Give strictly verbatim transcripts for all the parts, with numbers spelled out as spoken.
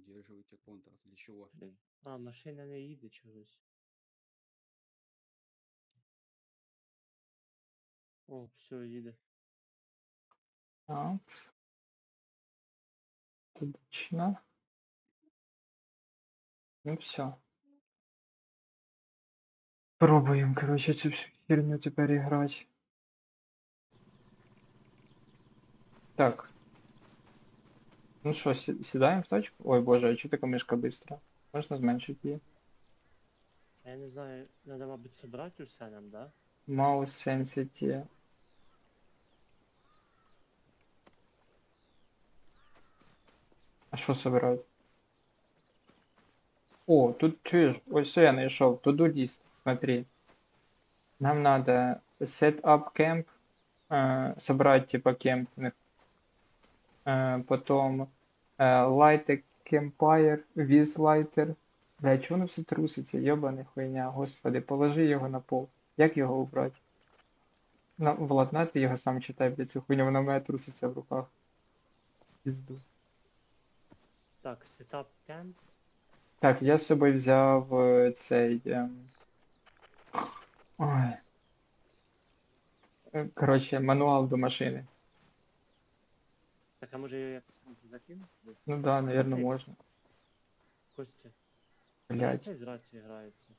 удерживаете контур. Для чего? Блін. А, машина не їде чогось. О, все, їде. Так. Точно. Ну все. Пробуем, короче, эту всю херню теперь играть. Так. Ну что, седаем в тачку? Ой, боже, а что такая мышка быстро? Можно зменшить ее? А я не знаю, треба, мабуть, собрати усе нам, да? Маус sensitive. А что собирать? О, тут чуешь, ой, все, я нашел. To-do list, смотри. Нам надо set up camp, э, собрать типа кемпинг. Э, потом э, light a campfire with lighter. Бля, чого воно все труситься? Йобана хуйня, господи, положи його на пол. Як його убрати? Ну, Влад, на ти його сам читай, бля, цю хуйню, вона в мене труситься в руках. Пізду. Так, setup camp. Так, я з собою взяв е, цей. ем, Ой. Е, Коротше, мануал до машини. Так, а може його якось там закинути? десь? Ну да, наверное, Окей. можна. Костя. Блять. Хай з рації грається.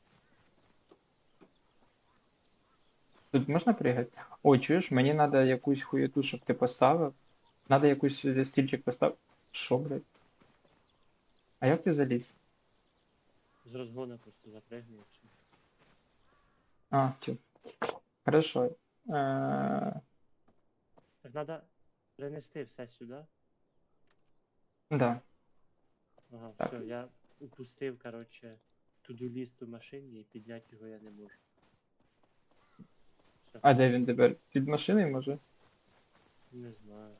Тут можна пригати? Ой, чуєш, мені треба якусь хуєту, щоб ти поставив. Надо якусь е, стільчик поставити. Що, блядь? А як ти заліз? З розгону просто запрягни. і все. А, тю. Хорошо. Е, Так, треба перенести все сюди. Да. Ага, Так. все, я упустив, короче, туду ліст у машині і підняти його я не можу. Все, А де він тепер? Під машиною може? не знаю.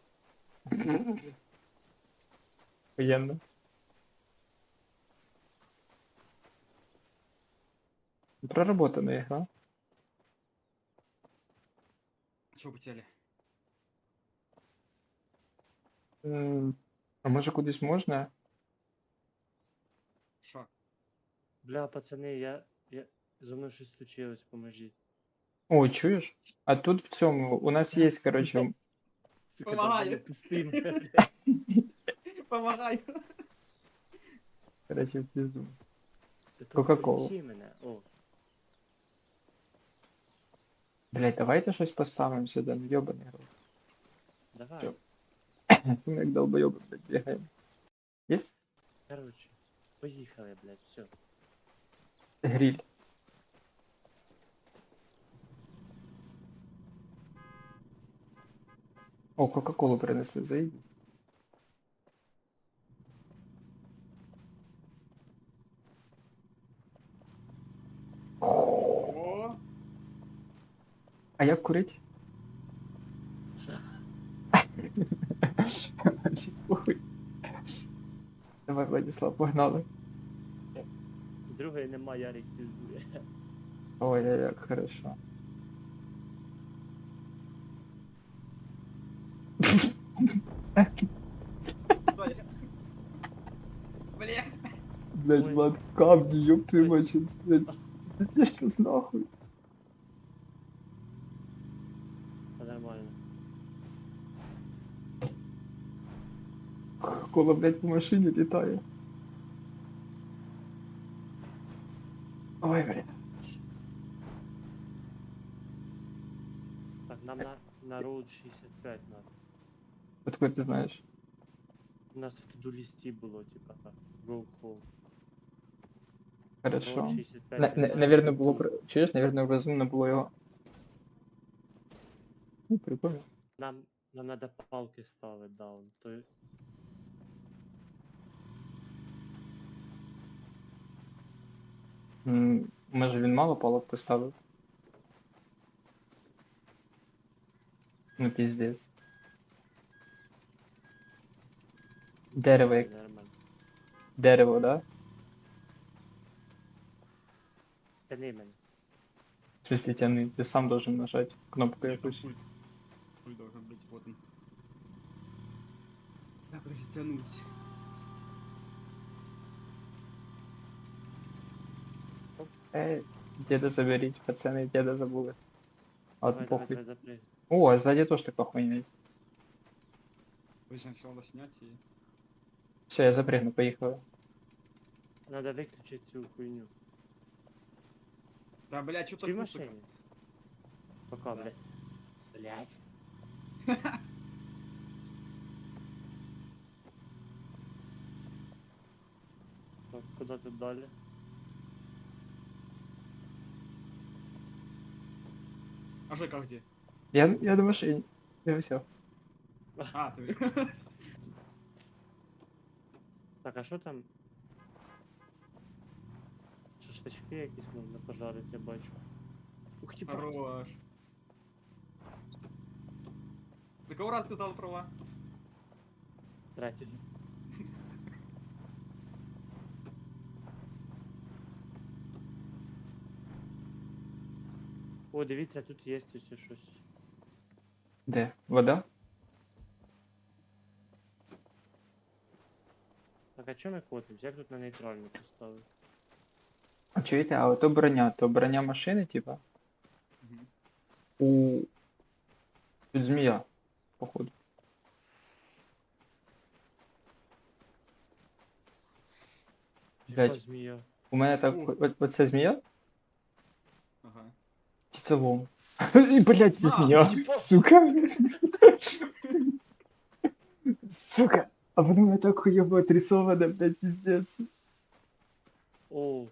Воєнно. Проработана ігра. Что потеряли? М, А може кудись можна? Шаг. Бля, пацани, я... я... Зо мною щось случилось, поможіть. О, чуєш? А тут в цьому у нас є, коротше, Сука, Помагаю. долбоёб, пусти мене, блядь. Помогай. коротше, в пізду. Ти просто Кока-колу. відсій мене. О, Блять, давайте щось поставимо сюди, ну йобаний рот. давай. Чо? Ми як долбойоби, блядь, бігаємо. Єсть? Короче, поїхали, блядь, все. Гриль. О, Кока-колу принесли, заїдь. О, А як курить? Похуй. Давай, Владислав, погнали. Другої нема, Ярик піздує. Ой, як хорошо. Бля. Бля. Блять, Ой. Влад, камни, ёб твою Ой. мать, сейчас, блядь. Запишь ты нахуй. Та нормально. Кола, блядь, по машине летает. Ой, блядь. Так, нам на, на роуд шістдесят п'ять надо. Откуда ты знаешь? У нас в туду лісті було, типа, go home. Хорошо. Роуд шістдесят п'ять На, ти на, знаєш, наверное, go было... home? про- Чуешь, наверное, разумно было его... Ну, прикольно. Нам, нам надо палки ставити даун. То... й- М, Може він мало палок поставив? Ну, пиздец. Дерево, як... Нормально. Дерево, да? Тяни мене. В смысле, тяни, ты сам должен нажать кнопку Нет, там якусь. пульт. Пульт должен быть, вот он. Так, подожди, тянуть. Эй, деда заберите, пацаны, деда забыли. А Давай, давай, похуй. давай, запрыгай. О, а сзади тоже такая хуйня есть. Ви ж почала снять і... Все, я запрыгну, поехали. Надо виключити цю хуйню. Та, блядь, чё Чи в так музыка? машині? Пока, Да. блядь. Блядь. Так, куди тут далі? А Жека где? Я, я на машине. Я все. А, ты... Так, а що там? Шашлички якісь можна пожарити, я бачу. Ух ти, бать. Хорош. За кого раз ты дал права? Третій. О, дивіться, тут є ось щось. Де? Вода? Так, а чому ми котимось? Як тут на нейтральну поставити? А чуєте, а ото броня, то броня машини, типа? Мгм. У... Тут змія, походу. Яка Блядь. змія? У мене так... О. о- Оце змія? Ага. Чи це лом? І, блядь, це А, змія. їбать. Сука. Сука. А воно мене так хуйово отрисоване, блядь, пиздец. О,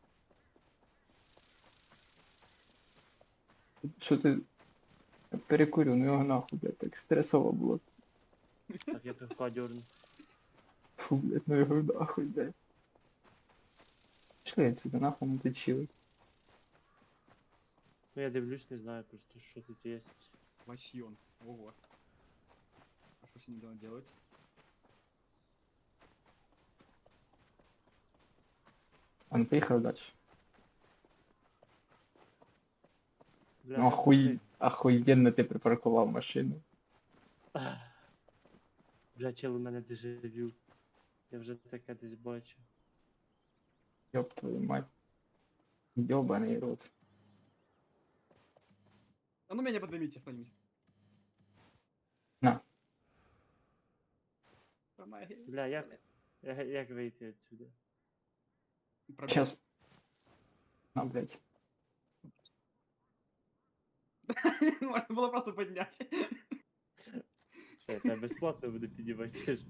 Що ти... Перекурю, ну його нахуй, блядь, так стресово було. так я пивка дерну. Фу, блядь, ну його нахуй, блядь. Пішли отсюда, нахуй не течили. Ну я дивлюсь, не знаю просто, що тут є. Лосьон. Ого. А что с ним надо делать? А ну поїхали далі. Бля, Ну охуй... Охуєнно ти припаркував машину. Ах. Бля, чел, у мене дежавю. Я вже таке десь бачу. Ёб твою мать. Ёбаный рот. А ну меня поднимите кто-нибудь. На. Помоги. Бля, як, як, як вийти відсюди? Пробел. Сейчас. На, блядь. Можно было просто поднять. Що, я тебе безплатно буду піднімати, чи ж?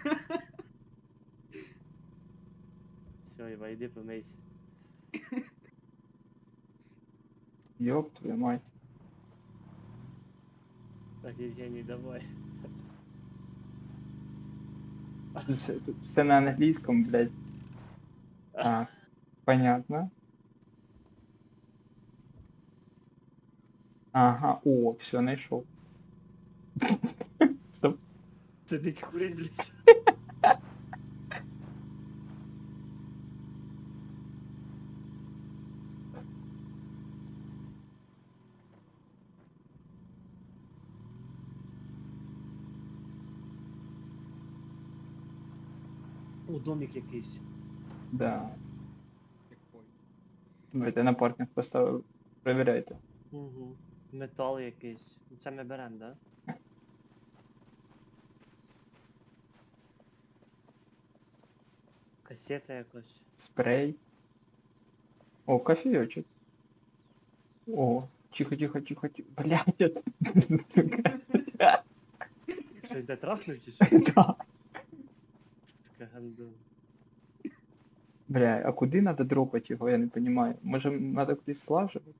Все, Іва, йди помийся. Ёб твою мать. Так, Євгеній, давай. Тут все, тут все на английском, блядь. Так, понятно. Ага, о, все, нашел. Стоп. Сидить курить, блядь. О, домик якийсь. Да. Какой? Давайте на паркінг поставив. Перевіряйте. Угу. Метал якийсь. Це ми беремо, да? Касета якось. Спрей. О, кофеечек. О, тихо, тихо, тихо, тихо. Блядь, это... Сука. Що, йде трахнув чи що? Да. Така гандон. Бля, а куди надо дропать його, я не понимаю. Може, надо кудись слаживать?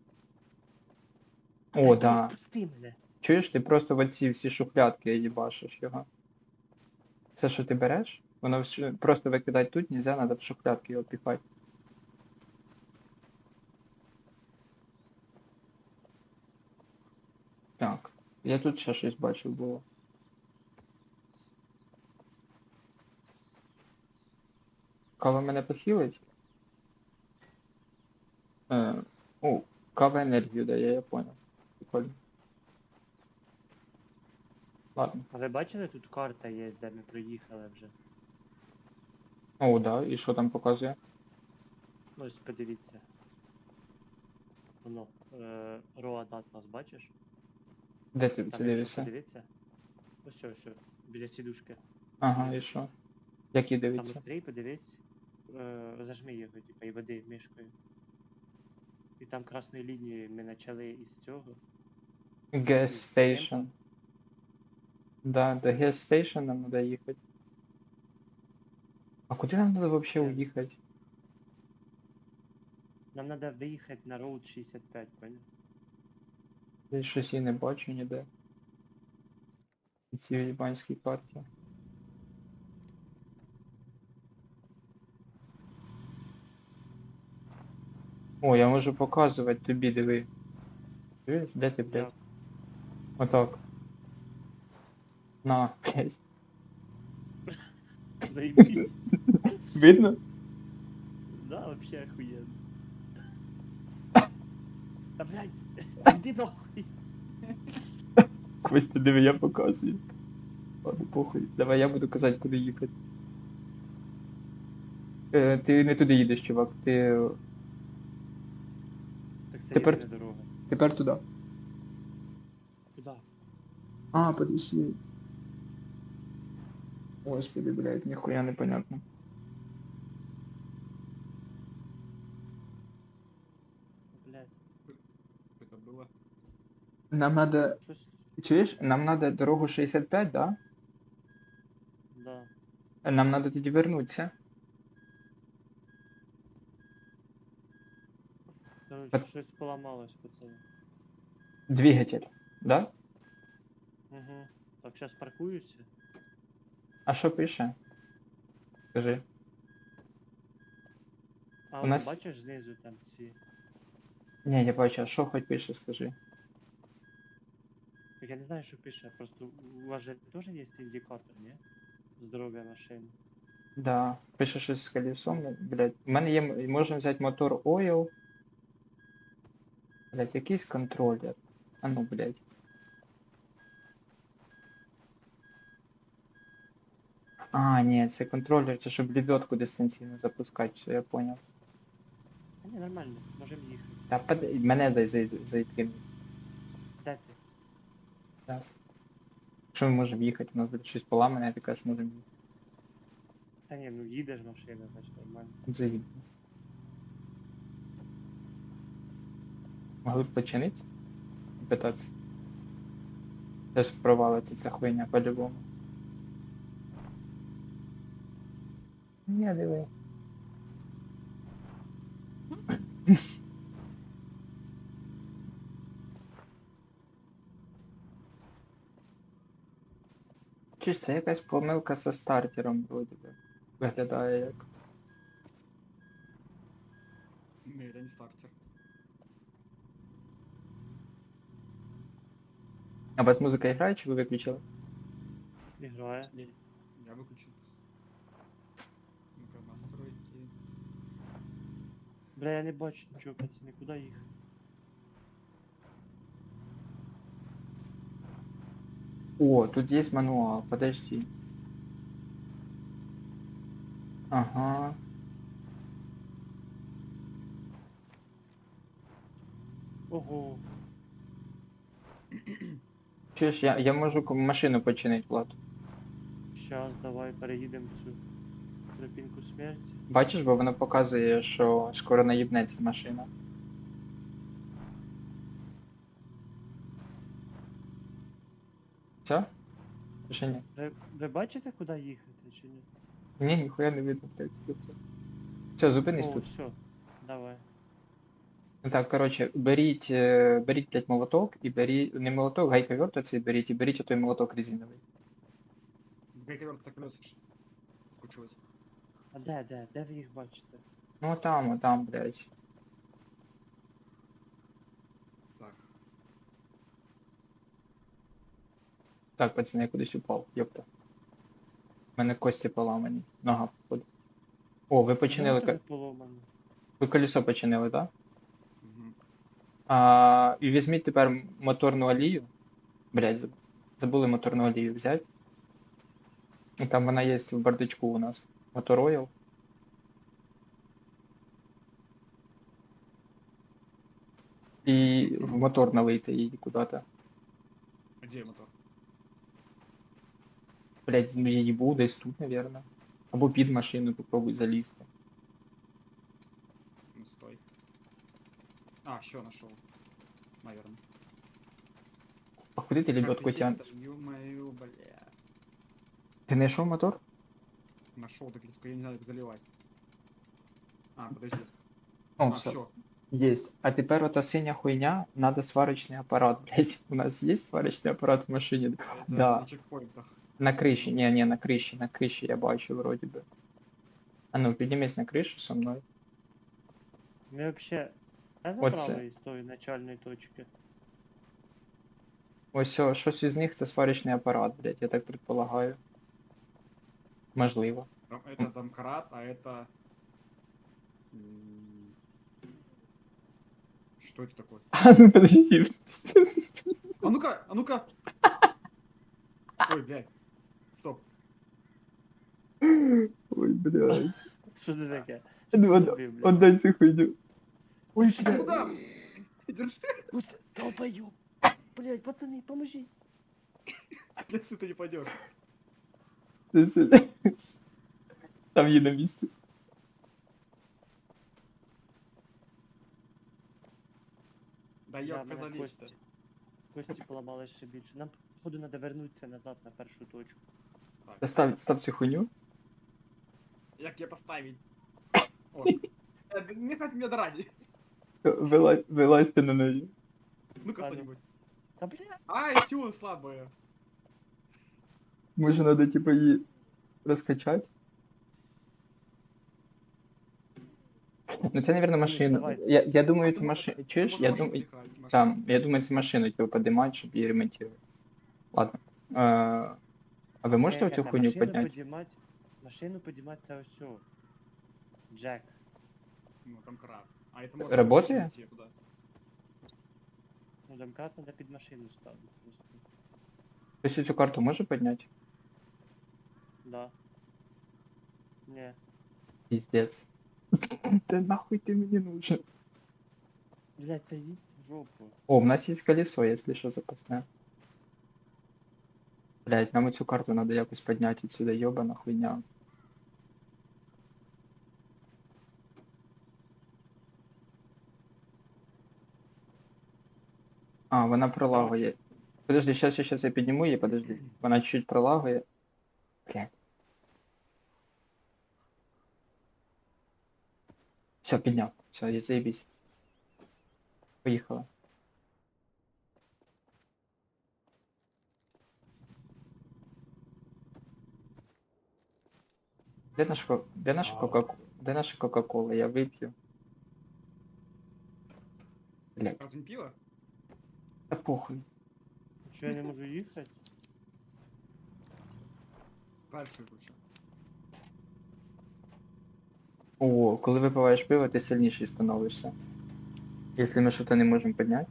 О, да. Пусти мене. Чуєш, ти просто в оці всі шухлядки їбашиш його. Все, що ти береш, воно вс- просто викидати тут нельзя, надо в шухлядки його піхати. Так, я тут ще щось бачу було. Кава мене похилить? Е, о, кава енергію дає, я понял. Прикольно. Ладно. А ви бачили, тут карта є, де ми проїхали вже? О, да, і що там показує? Ось подивіться. Воно, е, Road Atlas, бачиш? Де ти Там це якщо дивишся? подивитися. Ось що, що, біля сідушки. Ага, і що? Які Там дивиться? відкрий, подивись, е, зажми його, типа, і веди мишкою. І там красної лінії ми почали із цього. Gas із station. кемпа. Да, до gas station нам надо їхати. А куди нам надо вообще Де? уїхати? Нам треба виїхати на Road шістдесят п'ять, понял? Я щось і не бачу ніде. Ці єбанські карті. О, я можу показувати тобі, диви. Чуєш? Де ти, блядь? Як? Отак. На, блядь. Заебись. Видно? Да, вообще охуенно. Да блядь, иди нахуй. Костя, диви, я показую. Ладно, похуй. Давай я буду казати, куди їхати. Е, ти не туди їдеш, чувак. Ти. Так це Тепер- єдина дорога. Тепер туди. Куда? А, подожди. Господи, блядь, ніхуя непонятно. Блядь, Что это было? Нам надо. щось, Чуєш? Нам надо дорогу шістдесят п'ять, да? да. Нам надо тоді вернутися. Короче, щось поламалось, пацани. Двигатель, да? Угу. Так, сейчас паркуюся. А що пише? Скажи. А У он, нас- бачиш знизу там ці. Ні, я бачу, а що хоч пише, скажи. Так я не знаю, що пише, просто у вас же теж є індикатор, ні? Здоров'я машини. Да, пише щось з колесом, ну, блядь. У мене є, м- можемо взяти мотор Oil. Блядь, якийсь контролер. А ну, блядь. А, ні, це контролер, це щоб лебедку дистанційно запускати, все, я понял. А ні, нормально, можемо їхати. Та под... мене дай зайду, зайти. Де ти? Зараз. Що ми можемо їхати? У нас буде щось поламане, а ти кажеш, можемо їхати. Та ні, ну їдеш машина, значить нормально. Заїдемо. Могли б починити? Питатися. Теж провалиться ця хуйня по-любому. Ні, диви. Чи ж це якась помилка зі стартером вроді би. Виглядає як. Не, это не стартер. А у вас музика грає, чи ви виключили? І грає. Не, я выключил. Ну-ка, настройки. Бля, я не бачу нічого, пацани, куди їхати? О, тут є мануал, подожди. Ага. Ого. Чуєш, я, я можу ко- машину починити, Влад. Щас, давай переїдемо цю тропінку смерті. Бачиш, бо воно показує, що скоро наїбнеться машина. Все? Чи ще ні? Ви, ви бачите, куди їхати чи ні? Ні, ніхуя не видно, блядь. Все, зупинись О, тут. все, давай. Ну так, коротше, беріть, е, беріть, блядь, молоток і беріть, не молоток, гайковерт оцей беріть, і беріть отой молоток резиновий. Гайковерт так колеса ж вкручивать. А де, де, де ви їх бачите? Ну там, там, блядь. Так. Так, пацани, я кудись упав, йопта. У мене кості поламані, нога походу. О, ви починили, Воно ка- тебе поломано. ви колесо починили, так? Да? Мгм. А, і візьміть тепер моторну олію. Блядь, заб- забули моторну олію взяти. І там вона є в бардачку у нас. Мотор Oil. І в мотор налийте її куди-то. А где мотор? Блядь, ну я їбу десь тут, наверное. Або під машину попробуй залізти. Ну стой. А, все, нашел. Наверное. А куди ти лебедку тянеш? Ё-моё, бля. Ти знайшов мотор? Нашел, так только я не знаю, как заливать. А, подожди. О, А, все. все. Есть. А тепер ота синя хуйня, надо сварочний апарат, блядь. У нас есть сварочний апарат в машині? Это Да. на чекпоинтах. На криші. Ні, ні, на криші, на криші я бачу вроді би. А ну, піднімись на кришу со мною. Ми вообще не Оце. забрали із тої начальної точки. Ось о, щось із них це сварочний апарат, блядь, я так предполагаю. Можливо. Там- Это домкрат, а это... м, Что это такое? А ну подожди. А ну-ка, а ну-ка! Ой, блядь. Стоп. Ой, блядь. Що це таке? Ну, Що от- тобі, блядь? Отдай цю хуйню. Ой, А блядь. куда? Держи. Пусть- Долбоёб! Блядь, пацани, поможіть! Если ты не пойдешь. Ти сюди. Там є на місці. Да Да, ёбка мене залезь-то. кості. Кості поламали ще більше. Нам, походу, треба вернутися назад на першу точку. Так, Став, став цю хуйню. як тебе поставить? О. Э, Не хоть меня дради. Вилазь, вилазьте на неї. Ну-ка Ладно. кто-нибудь. Та бля! Ай, тюн слабая. Може, треба, типу, її розкачати? Ну, це, мабуть, машину. давай. Я, я думаю, А це ты машина. можешь- Чуєш? можно Я машину думаю, пихать, машину. там, я думаю, це машину, типу, підіймати, щоб її ремонтувати. Ладно. Е, а ви можете Ні, оцю ні, хуйню машину підняти? Підіймати, машину підіймати це ось цю. Джек. Ну, домкрат. А это можно Работает? идти туда. Ну, домкрат треба під машину ставити просто. Хтось цю карту може підняти? Да. Ні. Піздець. Та нахуй ти мені нужен? Блядь, та йдіть в жопу. О, у нас є колесо, якщо що, запасне. Блять, нам цю карту надо якось підняти відсюди, йобана хуйня. А, вона пролагує. Подожди, сейчас, сейчас я підніму її, подожди. Вона чуть-чуть пролагує. Блядь. Все, підняв. Все, я заебись. Поїхала. Де наша, ко- де наша кока-кола? Де наша кока-кола? Я вип'ю. Блядь, Разве не пиво? та похуй. Що я не можу їхати? Дальше лучше. О, коли випиваєш пиво, ти сильніший становишся. Якщо ми щось не можемо підняти.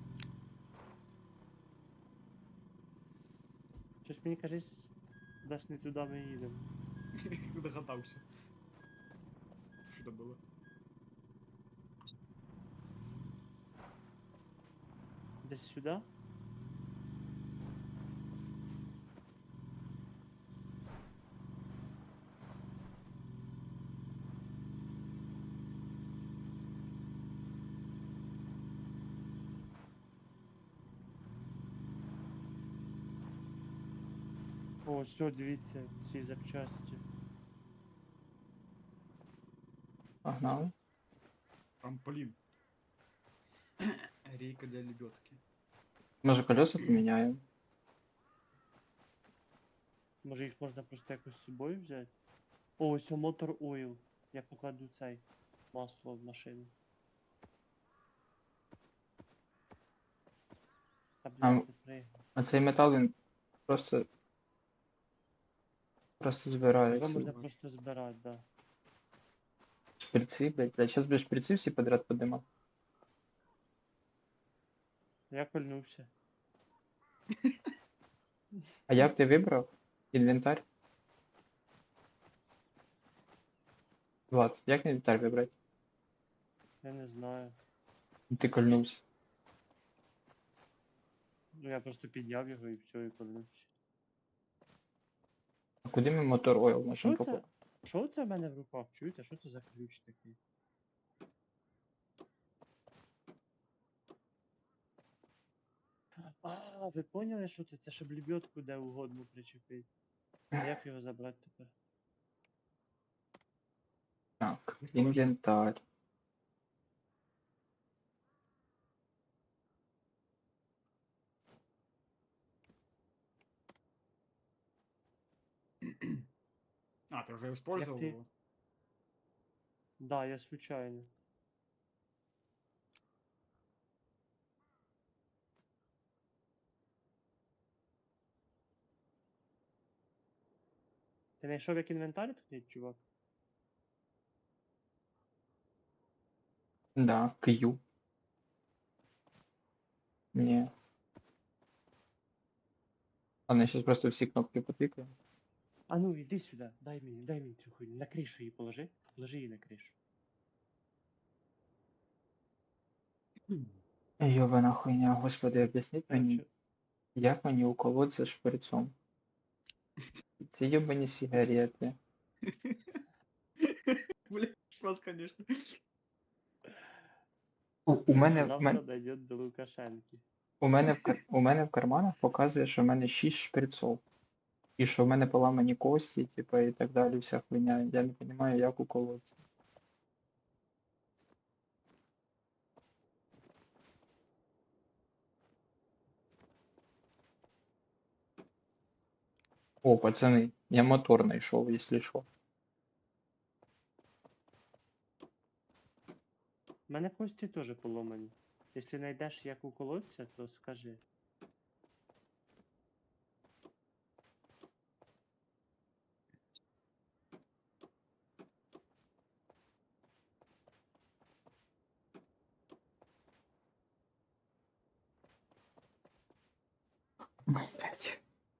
Щось мені кажись, десь не туди ми їдемо. Ты догадался. Что это было? Десь сюди? О, все, дивіться, ці запчасті. Погнали. Трамплин. Рейка для лебедки. Може колеса поміняємо? Може їх можна просто якось з собою взяти? О, ось о, мотор ойл. Я покладу цей масло в машину. Та А, блядь, не пригай. А цей метал він просто. Просто Його збирається. можна просто збирати, да. Шприці, блядь. Блядь, зараз би шприці всі подряд подимав. Я кольнувся. А як ти вибрав? Інвентар? Влад, як інвентар вибрати? Я не знаю. Ну, ти кольнувся. Ну я просто підняв його і все, і повернувся. А куди ми мотор ойл можемо Що це? покласти? Що це в мене в руках? Чуєте, що це за ключ такий? А, ви поняли, що це? Це щоб лебедку де угодно причепити. А як його забрати тепер? Так, Ну, що ж. інвентар. А, ты уже использовал ты? его? Да, я случайно. Ти знайшов як інвентар тут, чувак? Да, Q. Ні. Ладно, я сейчас просто всі кнопки потикаю. А ну іди сюди, дай мені, дай мені цю хуйню. На кришу її положи. Положи її на кришу. Йобана хуйня, господи, об'ясніть мені, Короче, як мені уколоться шприцом? Ці йобані сигарети. Блин, вас, конечно. У, у мене, в завтра мен, дойдет до Лукашенки. у, мене в, кар- у мене в карманах показує, що в мене шість шприцов. І що в мене поламані кості, типа, і так далі, вся хуйня. Я не розумію, як уколоться. О, пацани, я мотор знайшов, якщо що. У мене кості теж поломані. Якщо знайдеш як уколоться, то скажи. Опять.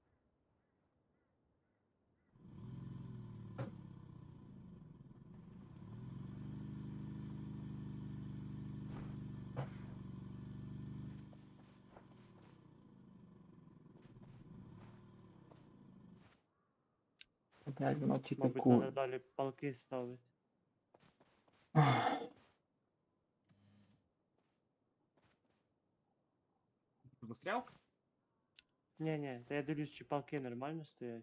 Опять воно тільки Мабуть, кур. треба далі палки ставити. Застрял? Ні-ні, та я дивлюсь, чи палки нормально стоять.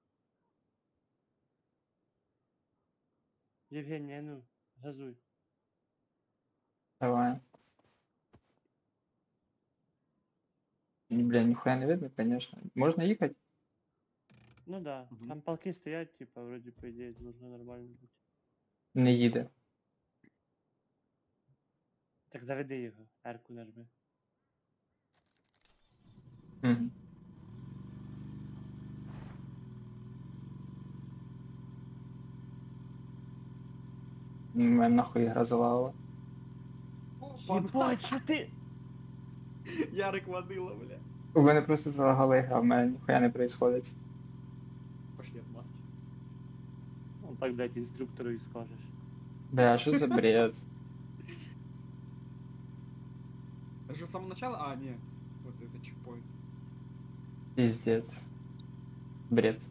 Євгенія, ну, газуй. Давай. Бля, ніхуя не видно, конечно. Можна їхати? Ну да, Мгм. там палки стоять, типа, вроді, по ідеї, должно нормально бути. Не їде. Так заведи його, R-ку нажми. Угу. Мене нахуй ігра залагала. Опа, Єбать, що ти? Ярик водила, бля. У мене просто залагала ігра, в мене ніхуя не происходить. Пошли от маски. Ну так, блядь, інструктору і скажеш. Бля, що за бред? Это же с самого начала? А, не. Вот это чекпоинт. Пиздец. Бред.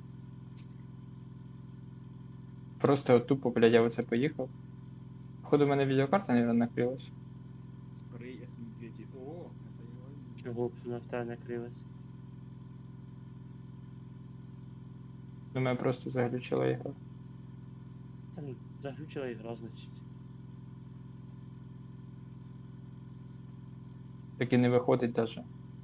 Просто от тупо, блядь, я оце поїхав. Походу, у мене відеокарта, наверное, накрилась. Спрей от медведей. О, это его. Чого б вона в тебе накрилась? У мене просто заглючила ігра. Там заглючила ігра, значить. Так і не виходить даже.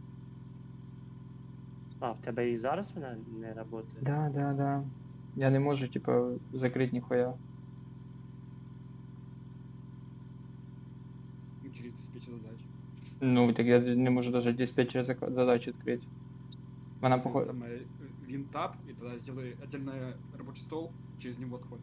А, в тебе і зараз вона не працює? Да, да, да. Я не можу, типа, закрити ніхуя. Ну, через диспетчер задач. Ну, так я не можу даже диспетчер зак- задач відкрити. Вона Ты походу. самое винтап, и тогда сделай отдельный рабочий стол, через него отход.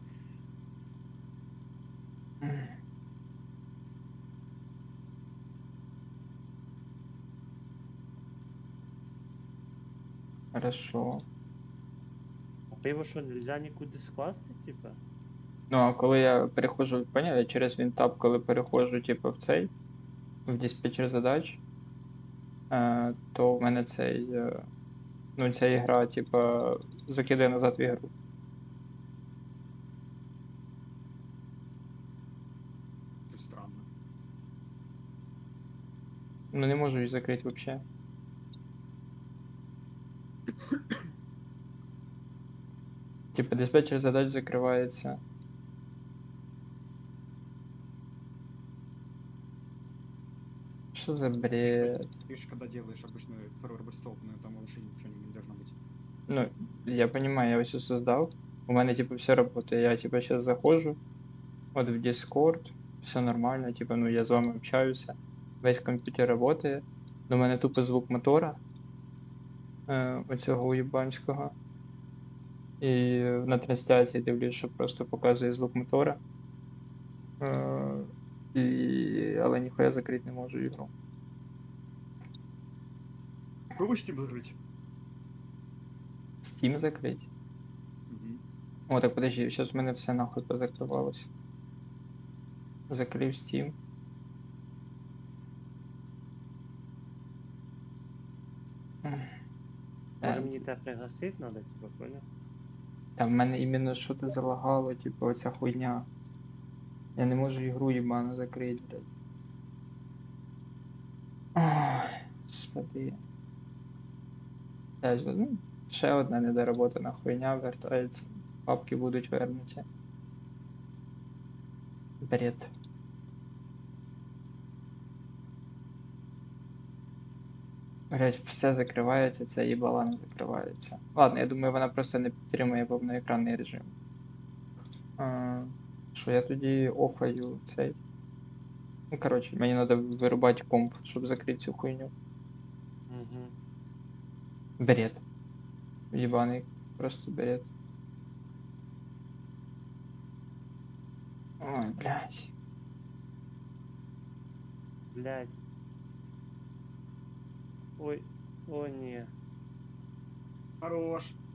Хорошо. А пиво що, нельзя нікуди скласти, типа? Ну, а коли я переходжу, поняв, я через WinTab, коли переходжу, типу, в цей, в диспетчер задач, е, то в мене цей, е, ну, ця ігра, типа, закидає назад в ігру. Щось странно. Ну не можу її закрити взагалі. Типа диспетчер задач закривається. Що за бред? Ты же когда делаешь обычно второй рабочий стол, ну там вообще ничего не должно быть. Ну, я понимаю, я все создав. У мене, типа, все работает. Я, типа, сейчас захожу, от в Discord, все нормально, типа, ну, я з вами общаюся, весь комп'ютер работає. До мене тупо звук мотора, е, оцього уєбанського. І на трансляції дивлюсь, що просто показує звук мотора. Е, і... Але ніхуя закрити не можу ігру. Пробуй Steam закрыть. Steam закрити? Мгм. О, так подожди, сейчас у мене все нахуй позакривалось. Закрив Steam. Може Е, мені тебе пригласити надо, типа, понял? Та в мене іменно що то залагало, типу, оця хуйня. Я не можу ігру їбану закрити, блядь. Ой, господи. Блядь, ну, ще одна недоработана хуйня вертається. Папки будуть вернуті. Бред. Блядь, все закривається, ця їбала не закривається. Ладно, я думаю, вона просто не підтримує повноекранний режим. А, що я тоді офаю цей. Ну, коротше, мені треба вирубати комп, щоб закрити цю хуйню. Угу. Бред. Ебаный, просто бред. Ой, блядь. Блядь. Ой, о ні. Хорош.